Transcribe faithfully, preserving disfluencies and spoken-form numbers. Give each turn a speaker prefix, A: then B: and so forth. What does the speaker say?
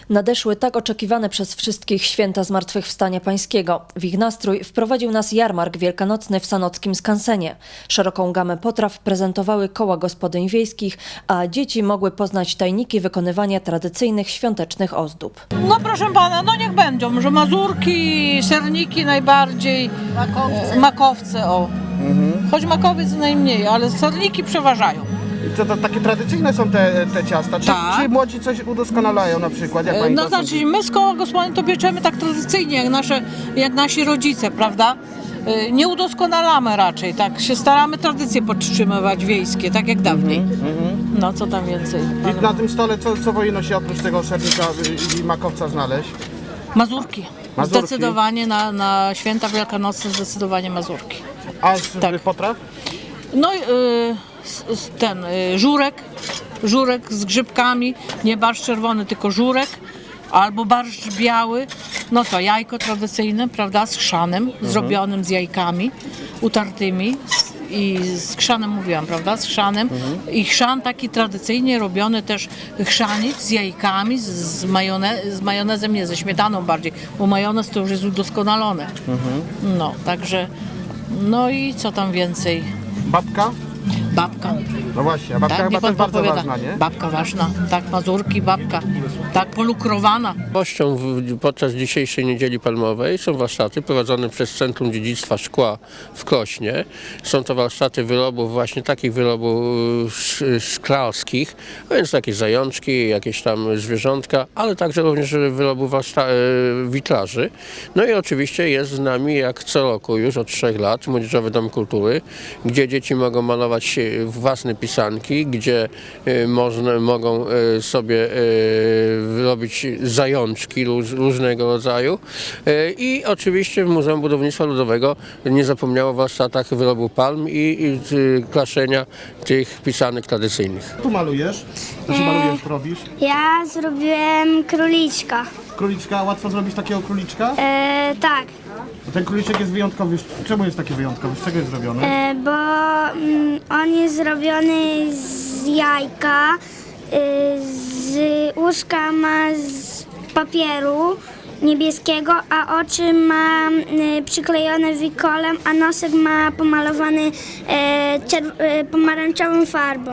A: Nadeszły tak oczekiwane przez wszystkich święta Zmartwychwstania Pańskiego. W ich nastrój wprowadził nas jarmark wielkanocny w sanockim skansenie. Szeroką gamę potraw prezentowały koła gospodyń wiejskich, a dzieci mogły poznać tajniki wykonywania tradycyjnych świątecznych ozdób.
B: No proszę pana, no niech będą, że mazurki, serniki najbardziej, makowce, makowce o. Mhm. Choć makowiec najmniej, ale serniki przeważają.
C: I co to takie tradycyjne są te, te ciasta? Czy,
B: Tak.
C: czy młodzi coś udoskonalają na przykład? Jak pani
B: No
C: to
B: znaczy
C: sądzi?
B: my z koła gospodyń to pieczemy tak tradycyjnie, jak, nasze, jak nasi rodzice, prawda? Nie udoskonalamy raczej, tak się staramy tradycje podtrzymywać wiejskie, tak jak dawniej.
C: Mhm.
B: No co tam więcej?
C: I na tym stole co, co powinno się oprócz tego sernika i makowca znaleźć?
B: Mazurki.
C: Mazurki.
B: Zdecydowanie na, na święta wielkanocne zdecydowanie mazurki.
C: A z
B: Tak.
C: potraw?
B: No i y, s- s- ten y, żurek, żurek z grzybkami, nie barszcz czerwony, tylko żurek, albo barszcz biały, no to jajko tradycyjne, prawda, z chrzanem, zrobionym z jajkami utartymi z- i z chrzanem mówiłam, prawda, z chrzanem i chrzan taki tradycyjnie robiony też chrzanik z jajkami, z, z, majone, z majonezem, nie, ze śmietaną bardziej, bo majonez to już jest udoskonalone. No, także, no i co tam więcej?
C: Babka?
B: Babka.
C: No właśnie, a babka
B: Tak,
C: chyba
B: niech pan
C: też bardzo
B: podpowiada.
C: ważna, nie?
B: Babka ważna, tak, mazurki, babka, tak, polukrowana.
D: Nowością w- podczas dzisiejszej Niedzieli Palmowej są warsztaty prowadzone przez Centrum Dziedzictwa Szkła w Krośnie. Są to warsztaty wyrobów, właśnie takich wyrobów sz- szklarskich, a więc jakieś zajączki, jakieś tam zwierzątka, ale także również wyrobów warszta- e, witraży. No i oczywiście jest z nami jak co roku już od trzech lat Młodzieżowy Dom Kultury, gdzie dzieci mogą malować e, własne pisanki, gdzie e, można, mogą e, sobie e, robić zajączki róż, różnego rodzaju. E, I oczywiście w Muzeum Budownictwa Ludowego nie zapomniało o warsztatach wyrobu palm i, i e, klaszenia tych pisanek tradycyjnych.
C: Tu malujesz? Co się malujesz, robisz?
E: Ja zrobiłem króliczka.
C: Króliczka, łatwo zrobić takiego króliczka?
E: E, tak,
C: Ten króliczek jest wyjątkowy. Czemu jest taki wyjątkowy? Z czego jest zrobiony?
E: e, bo mm, on jest zrobiony z jajka, e, z łóżka ma z papieru niebieskiego, a oczy ma e, przyklejone wikolem, a nosek ma pomalowany e, czerw- e, pomarańczową farbą.